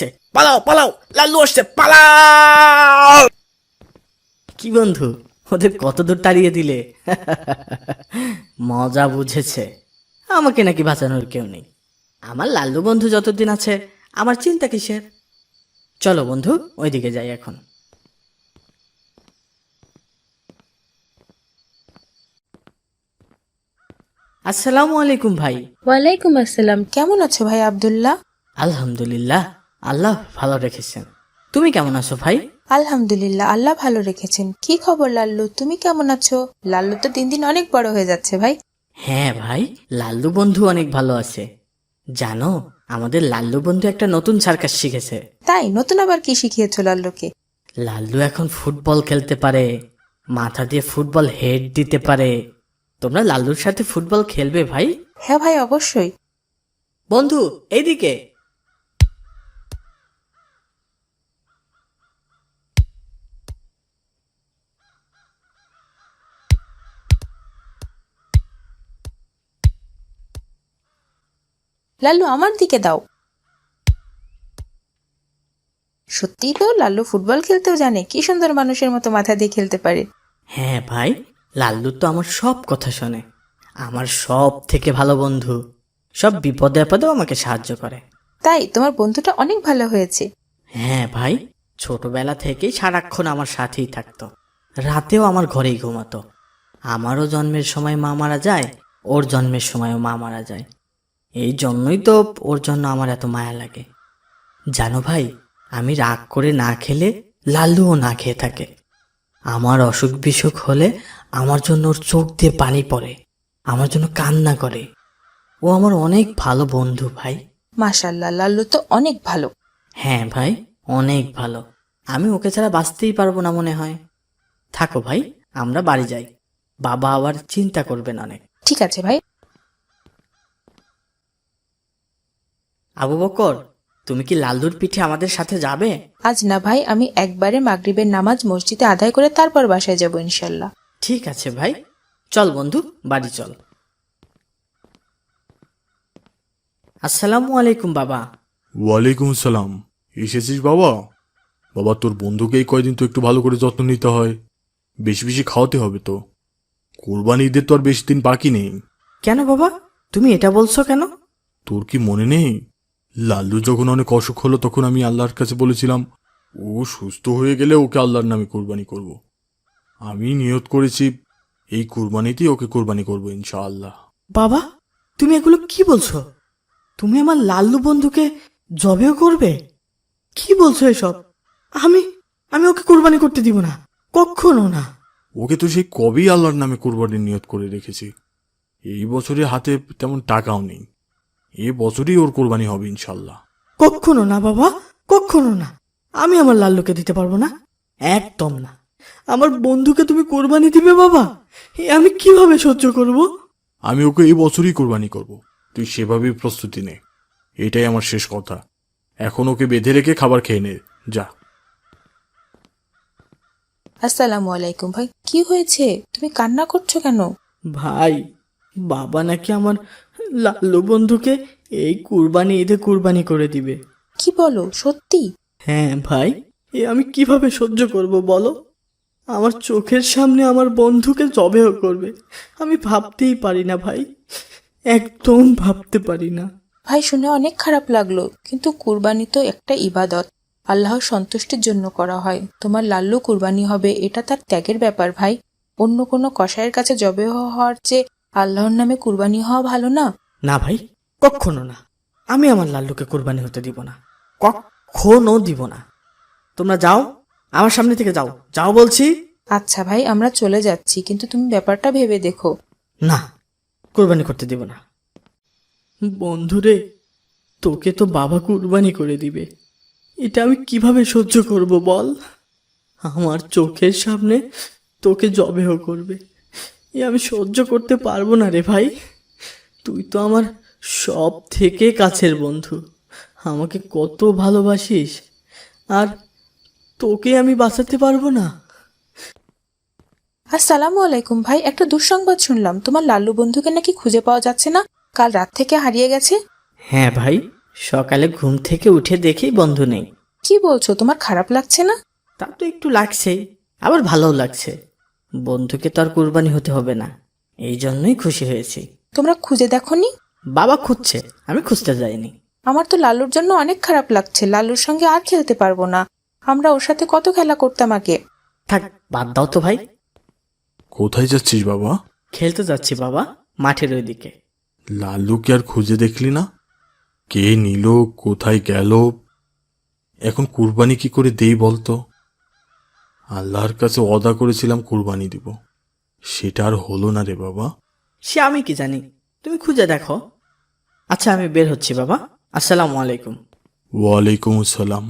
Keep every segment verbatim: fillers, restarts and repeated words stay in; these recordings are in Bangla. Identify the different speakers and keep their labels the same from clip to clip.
Speaker 1: আসছে, পালাও পালাও, লাল্লু আসছে, পালাও। কি বন্ধু, ওদের কত দূর তাড়িয়ে দিলে? মজা বুঝেছে। আমাকে নাকি বাঁচানোর কেউ নেই। আমার লাল্লু বন্ধু যতদিন আছে আমার চিন্তা কিসের? চলো বন্ধু, ওইদিকে যাই এখন। আসসালামু আলাইকুম ভাই।
Speaker 2: ওয়ালাইকুম আসসালাম। কেমন আছো ভাই আব্দুল্লাহ?
Speaker 1: আলহামদুলিল্লাহ, আল্লাহ ভালো রেখেছেন। তুমি কেমন আছো ভাই?
Speaker 2: আলহামদুলিল্লাহ, আল্লাহ ভালো রেখেছেন। কি খবর লাল্লু, তুমি কেমন আছো? লাল্লু তো দিন দিন অনেক বড় হয়ে যাচ্ছে ভাই।
Speaker 1: হ্যাঁ ভাই, লাল্লু বন্ধু অনেক ভালো আছে। জানো, আমাদের লাল্লু বন্ধু একটা নতুন সার্কাস শিখেছে।
Speaker 2: তাই নতুন আবার কি শিখিয়েছো লাল্লুকে?
Speaker 1: লাল্লু এখন ফুটবল খেলতে পারে, মাথা দিয়ে ফুটবল হেড দিতে পারে। তোমরা লাল্লুর সাথে ফুটবল খেলবে ভাই?
Speaker 2: হ্যাঁ ভাই, অবশ্যই।
Speaker 1: বন্ধু, এইদিকে।
Speaker 2: লাল্লু আমার দিকে দাও। সত্যিই তো লাল্লু ফুটবল খেলতেও জানে। কি সুন্দর মানুষের মতো মাথা দিয়ে খেলতে পারে।
Speaker 1: হ্যাঁ ভাই, লাল্লু তো আমার সব কথা শোনে। আমার সব থেকে ভালো বন্ধু। সব বিপদে আপদেও আমাকে সাহায্য করে।
Speaker 2: তাই তোমার বন্ধুটা অনেক ভালো হয়েছে।
Speaker 1: হ্যাঁ ভাই, ছোটবেলা থেকেই সারাক্ষণ আমার সাথেই থাকতো। রাতেও আমার ঘরেই ঘুমাতো। আমারও জন্মের সময় মা মারা যায়, ওর জন্মের সময়ও মা মারা যায়। এই জন্যই তো ওর জন্য আমার এত মায়া লাগে। জানো ভাই, আমি রাগ করে না খেলে লাল্লুও না খেয়ে থাকে। আমার অসুখ বিসুখ হলে আমার জন্য ওর চোখ দিয়ে পানি পড়ে, আমার জন্য কান্না করে। ও আমার অনেক ভালো বন্ধু ভাই।
Speaker 2: মাশাআল্লাহ, লাল্লু তো অনেক ভালো।
Speaker 1: হ্যাঁ ভাই, অনেক ভালো। আমি ওকে ছাড়া বাঁচতেই পারবো না মনে হয়। থাকো ভাই, আমরা বাড়ি যাই। বাবা আবার চিন্তা করবেন অনেক।
Speaker 2: ঠিক আছে ভাই।
Speaker 1: আবু বকর, তুমি কি লাল্লুর পিঠে আমাদের সাথে যাবে?
Speaker 2: আজ না ভাই, আমি একবারে মাগরিবের নামাজ মসজিদে আদায় করে তারপর বাসায় যাব ইনশাল্লাহ।
Speaker 1: ঠিক আছে ভাই, চল বন্ধু, বাড়ি চল। আসসালামু আলাইকুম বাবা।
Speaker 3: ওয়ালাইকুম আসসালাম। এসেছিস বাবা? বাবা, তোর বন্ধুকে এই কয়দিন তো একটু ভালো করে যত্ন নিতে হয়। বেশি বেশি খাওয়াতে হবে তো। কোরবানি ঈদের তো আর বেশি দিন বাকি নেই।
Speaker 1: কেন বাবা, তুমি এটা বলছো কেন?
Speaker 3: তোর কি মনে নেই, লাল্লু যখন অনেক অসুখ হলো তখন আমি আল্লাহর কাছে বলেছিলাম ও সুস্থ হয়ে গেলে ওকে আল্লাহর নামে কোরবানি করব। আমি নিয়ত করেছি এই কোরবানিতেই ওকে কোরবানি করবো ইনশাআল্লাহ।
Speaker 1: বাবা, তুমি এগুলো কি বলছো? তুমি আমার লাল্লু বন্ধুকে জবেও করবে? কি বলছো এসব? আমি আমি ওকে কোরবানি করতে দিব না, কখনো না।
Speaker 3: ওকে তো সেই কবেই আল্লাহর নামে কোরবানির নিয়ত করে রেখেছি। এই বছরে হাতে তেমন টাকাও নেই। এ বছরই ওর কোরবানি হবে ইনশাল্লাহ।
Speaker 1: কখনো না বাবা, কখনো না। আমি আমার লাল্লুকে দিতে পারবো না, একদম না। আমার বন্ধুকে তুমি কোরবানি দিবে বাবা? এ আমি কিভাবে সহ্য করব?
Speaker 3: আমি ওকে এই বছরই কোরবানি করব। তুই সেভাবেই প্রস্তুতি নে। এটাই আমার শেষ কথা। এখন ওকে বেঁধে রেখে খাবার খেয়ে নে, যা।
Speaker 2: আসসালামু আলাইকুম ভাই। কি হয়েছে, তুমি কান্না করছো কেন?
Speaker 1: ভাই, বাবা নাকি আমার লাল্লু বন্ধুকে এই কুরবানি ঈদে কুরবানি করে দিবে।
Speaker 2: কি বলো, সত্যি?
Speaker 1: হ্যাঁ ভাই, এ আমি কিভাবে সহ্য করব বলো? আমার চোখের সামনে আমার বন্ধুকে জবেহ করবে। আমি ভাবতেই পারি না ভাই, একদম ভাবতে পারি না।
Speaker 2: ভাই, শুনে অনেক খারাপ লাগলো, কিন্তু কুরবানি তো একটা ইবাদত, আল্লাহর সন্তুষ্টির জন্য করা হয়। তোমার লাল্লু কুরবানি হবে, এটা তার ত্যাগের ব্যাপার ভাই। অন্য কোনো কসাইয়ের কাছে জবে হওয়ার চেয়ে আল্লাহর নামে কুরবানি হওয়া ভালো না?
Speaker 1: না ভাই, কখনো না। আমি আমার লাল্লুকে কোরবানি হতে দিব না, কখনো দিব না। তোমরা যাও, আমার সামনে থেকে যাও, যাও বলছি।
Speaker 2: আচ্ছা ভাই, আমরা চলে যাচ্ছি, কিন্তু তুমি ব্যাপারটা ভেবে দেখো।
Speaker 1: না, কোরবানি করতে দিব না। বন্ধুরে, তোকে তো বাবা কুরবানি করে দিবে, এটা আমি কিভাবে সহ্য করব বল? আমার চোখের সামনে তোকে জবেহ করবে, এ আমি সহ্য করতে পারবো না রে ভাই। তুই তো আমার সব থেকে কাছের বন্ধু, আমাকে কত ভালোবাসিস, আর তোকে আমি বাঁচাতে পারবো না?
Speaker 2: আসসালামু আলাইকুম ভাই। একটা দুঃসংবাদ শুনলাম, তোমার লাল্লু বন্ধুকে নাকি খুঁজে পাওয়া যাচ্ছে না, কাল রাত থেকে হারিয়ে গেছে।
Speaker 1: হ্যাঁ ভাই, সকালে ঘুম থেকে উঠে দেখি বন্ধু নেই।
Speaker 2: কি বলছো, তোমার খারাপ লাগছে না?
Speaker 1: তা তো একটু লাগছেই, আবার ভালোও লাগছে। বন্ধুকে তো আর কুরবানি হতে হবে না, এই জন্যই খুশি হয়েছি।
Speaker 2: তোমরা খুঁজে দেখোনি?
Speaker 1: বাবা খুঁজছে, আমি খুঁজতে যাইনি।
Speaker 2: আমার তো লালুর জন্য অনেক খারাপ লাগছে। লালুর সঙ্গে আর খেলতে পারবো না। আমরা ওর সাথে কত খেলা করতাম আগে।
Speaker 1: থাক, বাদ দাও তো ভাই।
Speaker 3: কোথায় যাচ্ছিস বাবা?
Speaker 1: খেলতে যাচ্ছি বাবা, মাঠের ওইদিকে।
Speaker 3: লাল্লুকে আর খুঁজে দেখলি না? কে নিল, কোথায় গেল? এখন কুরবানি কি করে দেই বলতো? আল্লাহর কাছে ওয়াদা করেছিলাম কুরবানি দিব, সেটা আর হলো না রে বাবা।
Speaker 1: সে আমি কি জানি, তুমি খুঁজে দেখো। আচ্ছা আমি বের হচ্ছি বাবা, আসসালামু আলাইকুম।
Speaker 3: ওয়ালাইকুম আসসালাম।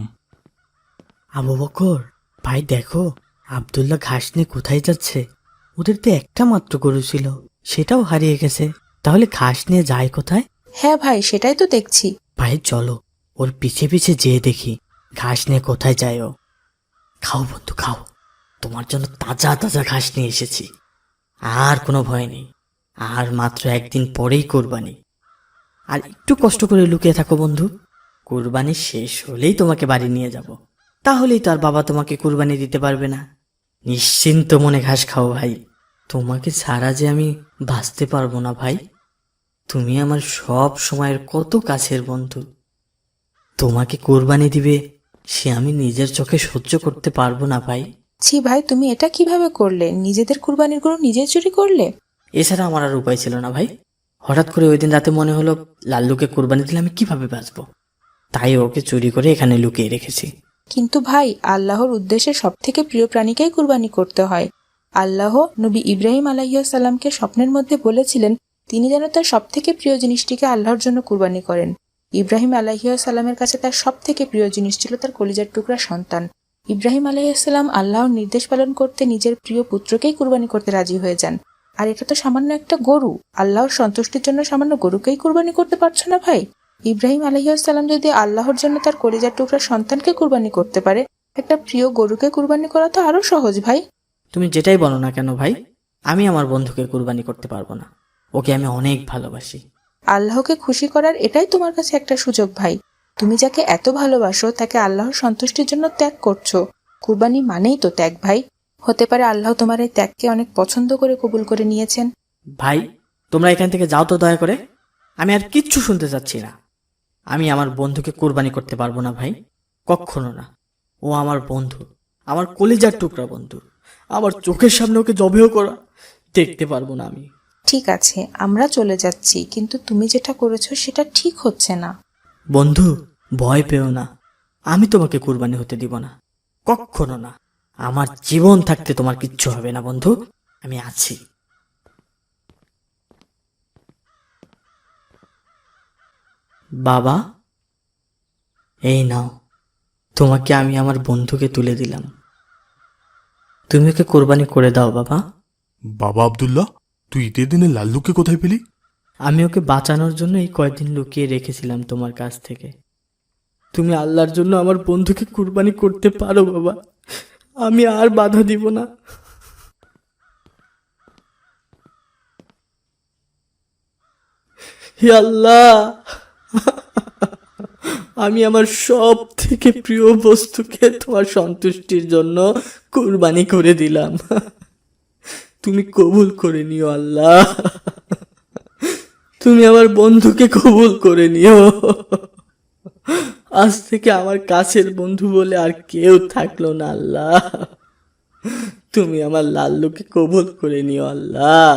Speaker 1: আবু বকর ভাই, দেখো আব্দুল্লাহ ঘাস নিয়ে কোথায় যাচ্ছে। ওদের তো একটা মাত্র গরু ছিল, সেটাও হারিয়ে গেছে। তাহলে ঘাস নিয়ে যায় কোথায়?
Speaker 2: হ্যাঁ ভাই, সেটাই তো দেখছি।
Speaker 1: ভাই চলো, ওর পিছে পিছে যেয়ে দেখি ঘাস নিয়ে কোথায় যায় ও। খাও বন্ধু খাও, তোমার জন্য তাজা তাজা ঘাস নিয়ে এসেছি। আর কোনো ভয় নেই, আর মাত্র একদিন পরেই কোরবানি। আর একটু কষ্ট করে লুকিয়ে থাকো বন্ধু, কোরবানি শেষ হলেই তোমাকে বাড়ি নিয়ে যাব। তাহলেই তো আর বাবা তোমাকে কোরবানি দিতে পারবে না। নিশ্চিন্ত মনে ঘাস খাও ভাই, তোমাকে ছাড়া যে আমি বাঁচতে পারবো না ভাই। তুমি আমার সব সময়ের কত কাছের বন্ধু। তোমাকে কোরবানি দিবে সে আমি নিজের চোখে সহ্য করতে পারবো না ভাই।
Speaker 2: ছি ভাই, তুমি এটা কিভাবে করলে? নিজেদের কুরবানির গরু নিজে চুরি করলে?
Speaker 1: এছাড়া আমার আর উপায় ছিল না ভাই। হঠাৎ করে ওই দিন রাতে মনে হলো লাল্লুকে কোরবানি দিলে আমি কিভাবে বাঁচবো, তাই ওকে চুরি করে এখানে লুকিয়ে রেখেছি।
Speaker 2: কিন্তু ভাই, আল্লাহর উদ্দেশ্যে সব থেকে প্রিয় প্রাণীকেই কুরবানি করতে হয়। আল্লাহ নবী ইব্রাহিম আলাইহিসসালামকে স্বপ্নের মধ্যে বলেছিলেন তিনি যেন তার সব থেকে প্রিয় জিনিসটিকে আল্লাহর জন্য কুরবানি করেন। ইব্রাহিম আলাইহিসসালামের কাছে তার সব থেকে প্রিয় জিনিস ছিল তার কলিজার টুকরা সন্তান। ইব্রাহিম আলাইহিসসালাম আল্লাহর নির্দেশ পালন করতে নিজের প্রিয় পুত্রকেই কুরবানি করতে রাজি হয়ে যান। আর এটা তো সামান্য একটা গরু। আল্লাহর সন্তুষ্টির জন্য সামান্য গরুকেই কুরবানি করতে পারছো না ভাই? ইব্রাহিম আলাইহিসসালাম যদি আল্লাহর জন্য তার কলিজার টুকরা সন্তানকে কুরবানি করতে পারে, একটা প্রিয় গরুকে কুরবানি করা তো আরো সহজ ভাই।
Speaker 1: তুমি যেটাই বলো না কেন ভাই, আমি আমার বন্ধুকে কোরবানি করতে পারবো না। ওকে আমি অনেক ভালোবাসি।
Speaker 2: আল্লাহকে খুশি করার এটাই তোমার কাছে একটা সুযোগ ভাই। তুমি যাকে এত ভালোবাসো তাকে আল্লাহর সন্তুষ্টির জন্য ত্যাগ করছো। কুরবানি মানেই তো ত্যাগ ভাই। হতে পারে আল্লাহ তোমার এই ত্যাগকে অনেক পছন্দ করে কবুল করে নিয়েছেন।
Speaker 1: ভাই তোমরা এখান থেকে যাও তো দয়া করে, আমি আর কিচ্ছু শুনতে চাচ্ছি না। আমি আমার বন্ধুকে কোরবানি করতে পারবো না ভাই, কখনো না। ও আমার বন্ধু, আমার কলিজার টুকরা বন্ধু। আমার চোখের সামনে ওকে জবেও করা দেখতে পারবো না আমি।
Speaker 2: ঠিক আছে, আমরা চলে যাচ্ছি, কিন্তু তুমি যেটা করেছো সেটা ঠিক হচ্ছে না।
Speaker 1: বন্ধু ভয় পেও না, আমি তোমাকে কুরবানি হতে দিব না, কখনো না। আমার জীবন থাকতে তোমার কিচ্ছু হবে না বন্ধু, আমি আছি। বাবা এই নাও, তোমাকে আমি আমার বন্ধুকে তুলে দিলাম। তুমি ওকে কোরবানি করে দাও বাবা।
Speaker 3: বাবা আব্দুল্লাহ, তুই ঈদের দিনে লাল্লুকে কোথায় পেলি?
Speaker 1: আমি ওকে বাঁচানোর জন্য এই কয়েকদিন লুকিয়ে রেখেছিলাম তোমার কাছ থেকে। তুমি আল্লাহর জন্য আমার বন্ধুকে কুরবানি করতে পারো বাবা, আমি আর বাধা দিব না। হে আল্লাহ, আমি আমার সব থেকে প্রিয় বস্তুকে তোমার সন্তুষ্টির জন্য কুরবানি করে দিলাম। তুমি কবুল করে নিও আল্লাহ, তুমি আমার বন্ধুকে কবুল করে নিও। আজ থেকে আমার কাছের বন্ধু বলে আর কেউ থাকলো না আল্লাহ, তুমি আমার লাল্লুকে কবুল করে নিও আল্লাহ।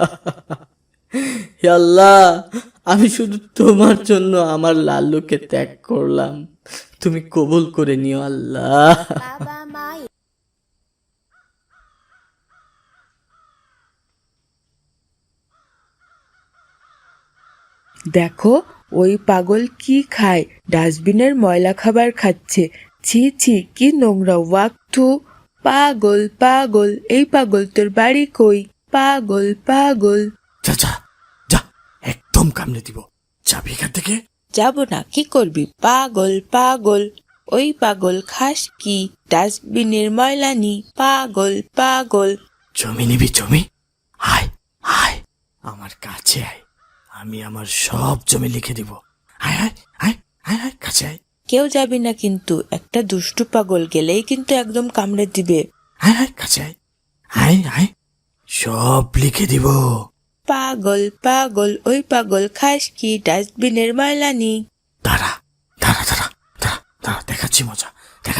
Speaker 1: হে আল্লাহ, আমি শুধু তোমার জন্য আমার লাল্লুকে ত্যাগ করলাম, তুমি কবুল করে নিও আল্লাহ।
Speaker 4: দেখো ওই পাগল কি খায়, ডাস্টবিনের ময়লা খাবার খাচ্ছে। ছি ছি, কি নোংরা ওয়াক্তু। পাগল পাগল, এই পাগল তোর বাড়ি কই? পাগল পাগল।
Speaker 3: যা যা যা, একদম কামড়ে দিব, যাবি এখান থেকে।
Speaker 4: যাব না, কি করবি? পাগল পাগল, ওই পাগল খাস কি? ডাস্টবিনের ময়লা নি। পাগল পাগল।
Speaker 1: জমি নিবি জমি? আয় আয় আমার কাছে আয়, আমি আমার সব জমি লিখে দিব। আয় আয় আয়
Speaker 3: আয় আয় কাছে আয়
Speaker 4: কেউ যাবি না কিন্তু, একটা দুষ্টু পাগল গেলেই কিন্তু একদম কামড়ে দিবে।
Speaker 3: আয় আয় কাছে আয় আয় আয় সব লিখে দিব।
Speaker 4: পাগল পাগল ওই পাগল খাস কি ডাস্টবিনের ময়লা নি।
Speaker 3: দাঁড়া দাঁড়া দাঁড়া দাঁড়া দাঁড়া দেখাচ্ছি মজা।